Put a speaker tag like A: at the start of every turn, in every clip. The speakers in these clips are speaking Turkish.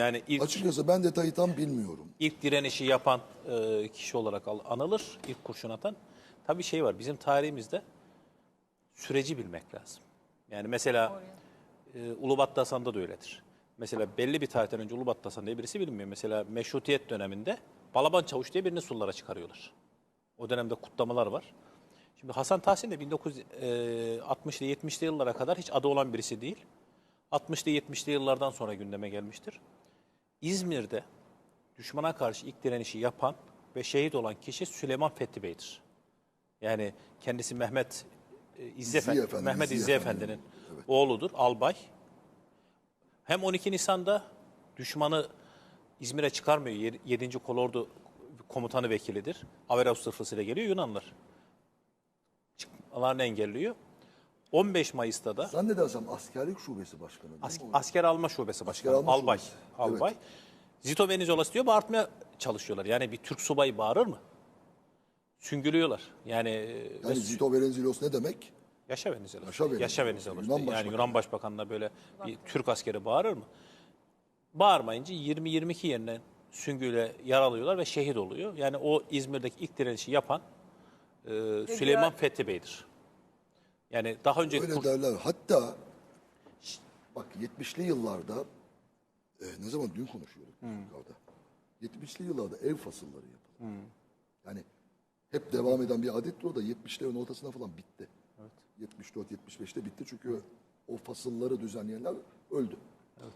A: Yani
B: Açıkçası ben detayı tam bilmiyorum.
A: ilk direnişi yapan kişi olarak anılır, ilk kurşun atan. Tabii şey var, bizim tarihimizde süreci bilmek lazım. Yani mesela Ulubatlı Hasan'da da öyledir. Mesela belli bir tarihten önce Ulubatlı Hasan diye birisi bilinmiyor. Mesela Meşrutiyet döneminde Balaban Çavuş diye birini sullara çıkarıyorlar. O dönemde kutlamalar var. Şimdi Hasan Tahsin de 1960'lı 70'li yıllara kadar hiç adı olan birisi değil. 60'lı 70'li yıllardan sonra gündeme gelmiştir. İzmir'de düşmana karşı ilk direnişi yapan ve şehit olan kişi Süleyman Fethi Bey'dir. Yani kendisi Mehmet İzzi Efendi'nin oğludur, albay. Hem 12 Nisan'da düşmanı İzmir'e çıkarmıyor. 7. Kolordu komutanı vekilidir. Averavus sırfasıyla geliyor Yunanlılar. Çıkmalarını engelliyor. 15 Mayıs'ta da
B: Zannedersem askerlik şubesi başkanı değil mi?
A: asker alma şubesi başkanı, albay.
B: Şubesi.
A: Albay.
B: Evet.
A: Zito Venizelos diyor, bağırtmaya çalışıyorlar. Yani bir Türk subayı bağırır mı? Süngülüyorlar. Yani
B: Zito Venizelos ne demek?
A: Yaşa Venizelos.
B: Yaşa Venizelos.
A: Yaşa Venizelos.
B: Yunan
A: Yani
B: Başbakanı.
A: Yunan Başbakanı'na böyle bir Türk askeri bağırır mı? Bağırmayınca 20-22 yerine süngüyle yaralıyorlar ve şehit oluyor. Yani o İzmir'deki ilk direnişi yapan Süleyman Fethi Bey'dir. Yani daha önce
B: Öyle derler. Hatta bak 70'li yıllarda ne zaman dün konuşuyorduk yukarıda. 70'li yıllarda ev fasılları yapıldı. Yani hep devam eden bir adettir o da 70'lerin ortasına falan bitti. Evet. 74-75'te bitti çünkü o fasılları düzenleyenler öldü.
A: Evet.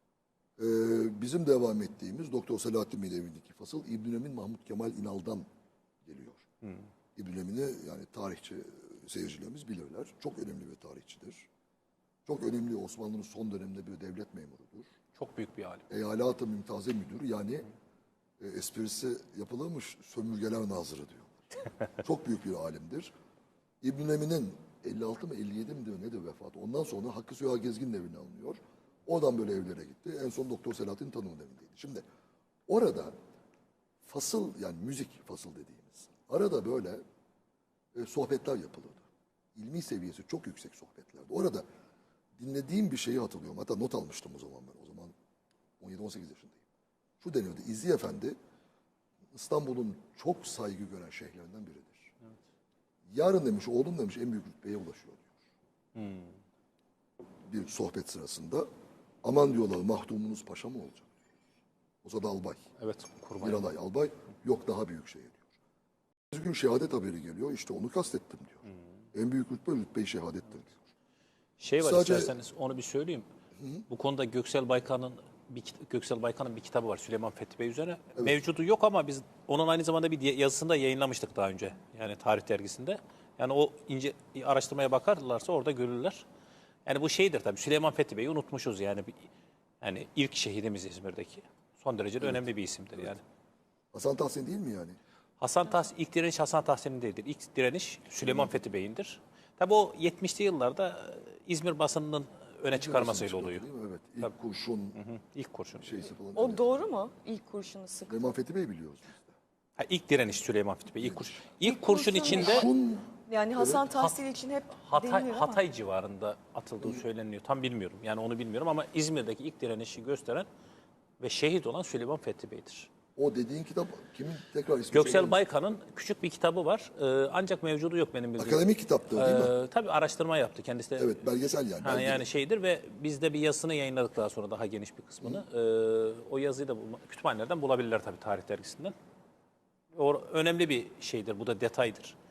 B: Bizim devam ettiğimiz Doktor Selahattin Bey'in evindeki fasıl İbn Emin Mahmut Kemal İnal'dan geliyor. İbn Emin'i yani tarihçi seyircilerimiz bilirler. Çok önemli bir tarihçidir. Çok önemli Osmanlı'nın son döneminde bir devlet memurudur.
A: Çok büyük bir alim.
B: Eyalat-ı Mümtaze Müdürü yani esprisi yapılırmış sömürgeler nazırı diyorlar. Çok büyük bir alimdir. İbn Emin'in 56 mı 57 mi diyor nedir vefatı. Ondan sonra Hakkı Süha Gezgin'in evine alınıyor. Oradan böyle evlere gitti. En son Doktor Selahattin Tanım'ın evindeydi. Şimdi orada fasıl yani müzik fasıl dediğimiz arada böyle sohbetler yapılırdı. İlmi seviyesi çok yüksek sohbetlerdi. Orada dinlediğim bir şeyi hatırlıyorum. Hatta not almıştım o zaman ben. O zaman 17-18 yaşındayım. Şu deniyordu. İzzi Efendi İstanbul'un çok saygı gören şeyhlerinden biridir. Evet. Yarın demiş, oğlum demiş en büyük rütbeye ulaşıyor diyor. Bir sohbet sırasında aman diyorlar mahdumunuz paşa mı olacak? O zaman albay.
A: Evet.
B: Miralay albay. Yok daha büyük şey diyor. Bir gün şehadet haberi geliyor. İşte onu kastettim diyor. En büyük rütbe-i şehadettir diyor.
A: Şey var isterseniz onu bir söyleyeyim. Bu konuda Göksel Baykan'ın bir kitabı var Süleyman Fethi Bey üzerine. Evet. Mevcudu yok ama biz onun aynı zamanda bir yazısını da yayınlamıştık daha önce. Yani Tarih Dergisi'nde. Yani o ince araştırmaya bakarlarsa orada görürler. Yani bu şeydir tabii Süleyman Fethi Bey'i unutmuşuz yani. Yani ilk şehidimiz İzmir'deki. Son derece de önemli bir isimdir yani.
B: Hasan Tahsin değil mi yani?
A: İlk direniş Hasan Tahsin'in değildir. İlk direniş Süleyman Fethi Bey'indir. Tabii o 70'li yıllarda İzmir basınının öne çıkarmasıyla oluyor.
B: Değil mi? Evet. İlk kurşun.
A: İlk kurşun.
B: Şeysi falan.
C: O doğru mu? İlk kurşunu sık.
B: Süleyman Fethi Bey biliyoruz biz de.
A: Ha, ilk direniş Süleyman Fethi Bey. İlk kurşun içinde
C: Yani Hasan Tahsin için hep denilir ama.
A: Hatay civarında atıldığı söyleniyor. Tam bilmiyorum. Yani onu bilmiyorum ama İzmir'deki ilk direnişi gösteren ve şehit olan Süleyman Fethi Bey'dir.
B: O dediğin kitap kimin tekrar ismi?
A: Göksel Baykan'ın küçük bir kitabı var. Ancak mevcudu yok benim bildiğim.
B: Akademik kitaptı değil mi?
A: Tabii araştırma yaptı kendisi de.
B: Evet belgesel yani.
A: Yani şeydir ve biz de bir yazısını yayınladık daha sonra daha geniş bir kısmını. O yazıyı da kütüphanelerden bulabilirler tabii Tarih Dergisi'nden. O önemli bir şeydir. Bu da detaydır.